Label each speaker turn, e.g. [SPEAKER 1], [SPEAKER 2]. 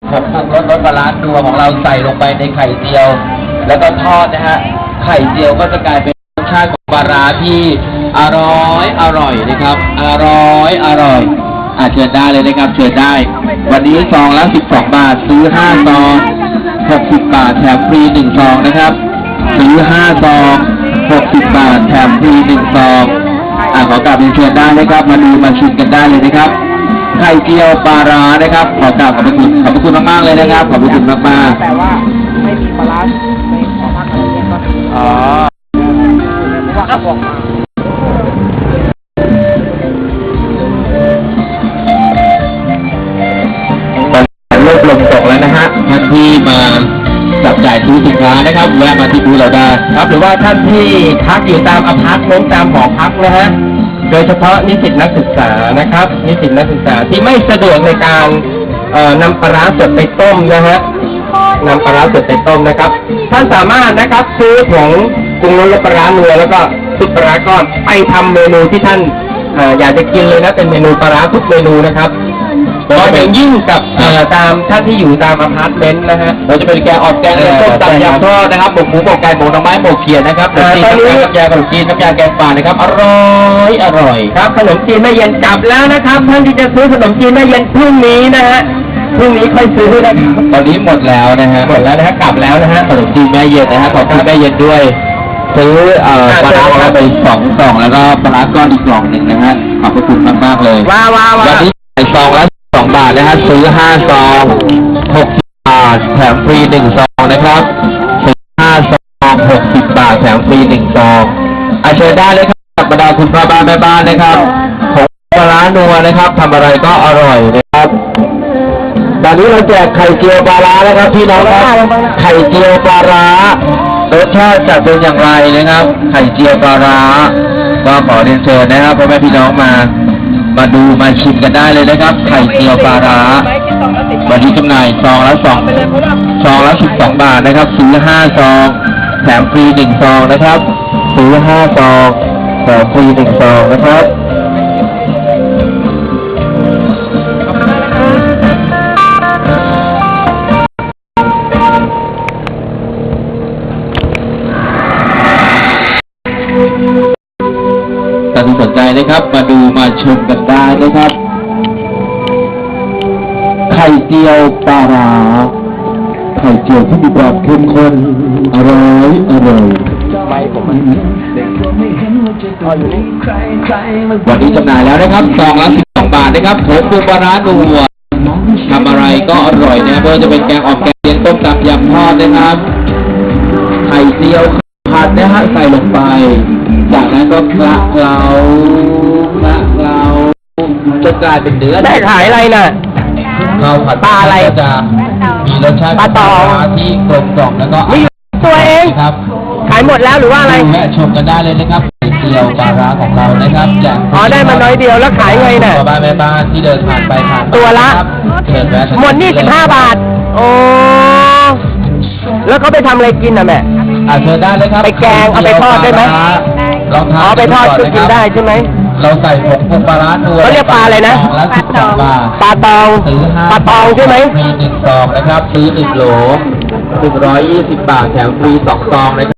[SPEAKER 1] ผงปรุงรสปลาร้านัวของเราใส่ลงไปในไข่เจียว แล้วก็ทอดนะฮะไข่เจียวก็จะกลายเป็นรสชาติของปลาร้าที่อร่อยนะครับอร่อยเชิญได้เลยนะครับเชิญได้วันนี้ซองละ12 บาทซื้อ5ซอง60 บาทแถมฟรี1ซองนะครับซื้อ5ซอง60 บาทแถมฟรี1ซองขอกราบเรียนเชิญได้นะครับมาดูมาชิมกันได้เลยนะครับไข่เจียวปลาร้านะครับขอกราบขอบพระคุณมากๆเลยนะครับขอบพระคุณมากๆ
[SPEAKER 2] แต่ว่าไม่มีปลาร้าในของภาคตะวันออกก็เพราะว่าเขาบอกมา
[SPEAKER 1] เริ่มลมตกแล้วนะฮะท่านที่มาจับจ่ายซื้อสินค้านะครับแวะมาที่บูธเราได้ครับหรือว่าท่านที่พักอยู่ตามอพาร์ตเมนต์ตามหอพักนะฮะโดยเฉพาะนิสิตนักศึกษานะครับนิสิตนักศึกษาที่ไม่สะดวกในการนำปลาร้าสดไปต้มนะฮะนำปลาร้าสดไปต้มนะครับท่านสามารถนะครับซื้อผงปรุงรสปลาร้านัวแล้วก็ซุปปลาร้าก้อนไปทำเมนูที่ท่านอยากจะกินเลยนะเป็นเมนูปลาร้าทุกเมนูนะครับโดยเฉพาะยิ่งกับตามท่านที่อยู่ตามอพาร์ตเมนต์นะฮะเราจะเป็นแกงออกแกงต้มตำยำทอดนะครับหมกหมูหมกไก่หมกหน่อไม้หมกเขียดนะครับตอนนี้น้ำยาขนมจีนน้ำยาแกงป่านะครับอร่อยครับขนมจีนแม่เย็นกลับแล้วนะครับท่านที่จะซื้อขนมจีนแม่เย็นพรุ่งนี้นะฮะพรุ่งนี้ค่อยซื้อนะครับตอนนี้หมดแล้วนะฮะหมดแล้วนะฮะกลับแล้วนะฮะขนมจีนแม่เย็นนะฮะขอบคุณแม่เย็นด้วยซื้อปลาร้าไป2 กล่องแล้วก็ปลาร้าก้อนอีกกล่องหนึ่งนะฮะขอบคุณมากๆเลยวันนี้ซองละ2 บาทนะฮะซื้อ5 ซอง60 บาทแถมฟรี1 ซองนะครับซื้อ5 ซอง60 บาทแถมฟรี1 ซองเชิญได้เลยครับกับบรรดาคุณพ่อบ้านแม่บ้านนะครับของปลาร้านัวนะครับทำอะไรก็อร่อยนะครับตอนนี้เราแจกไข่เจียวปลาร้านะครับพี่น้องครับไข่เจียวปลาร้ารสชาติจะเป็นอย่างไรนะครับไข่เจียวปลาร้าก็ขอเรียนเชิญนะครับพ่อแม่พี่น้องมาดูมาชิมกันได้เลยนะครับไข่เจียวปลาร้าวันนี้จำหน่ายซองละ12 บาทนะครับซื้อ5 ซองแถมฟรี1 ซองนะครับซื้อ5 ซองแถมฟรี1 ซองนะครับท่านที่สนใจนะครับมาดูมาชมกันได้นะครับไข่เจียวปลาร้าไข่เจียวที่มีความเข้มข้นอร่อยไม่ผมวันนี้จำหน่ายแล้วนะครับซองละ12 บาทนะครับผงปรุงปลาร้านัวทำอะไรก็อร่อยนะไม่ว่าจะเป็นแกงอ่อมแกงเลียงต้มตำยำทอดนะครับไข่เจียวผัดนะฮะใส่ลงไปจากนั้นก็คละเคล้าจะกลายเป็นเนื้อได้ขายอะไรน่ะข้าวผัดปลาอะไรจะมีรสชาติปลาตองที่กลมกล่อมแล้วก็
[SPEAKER 2] ตัวเอง
[SPEAKER 1] ครับ
[SPEAKER 2] ขายหมดแล้วหรือว่าอะไร
[SPEAKER 1] แวะชมกันได้เลยนะครับเดียวปลาร้าของเรานะครับจาก
[SPEAKER 2] ได้มาน้อยเดียวแล้วขายไงน่ะ
[SPEAKER 1] บ้านแม่บ้านที่เดินผ่านไปผ่าน
[SPEAKER 2] ตัวละหมดนี่15 บาทโอ้แล้วเขาไปทำอะไรกินน่ะแม่
[SPEAKER 1] เชิญได้เลยครับ
[SPEAKER 2] ไปแกงเอาไปทอดได้ไหม
[SPEAKER 1] ลองทาน
[SPEAKER 2] ไปทอดกินได้ใช่ไหม
[SPEAKER 1] เราใส่ผงปรุงปลาร้านัว
[SPEAKER 2] เขาเรียกปลาอะไรนะปลาตองใช่ไหม
[SPEAKER 1] ฟรี1 ซองนะครับซื้อ1 โหล120 บาทแถมฟรี2 ซองนะครับ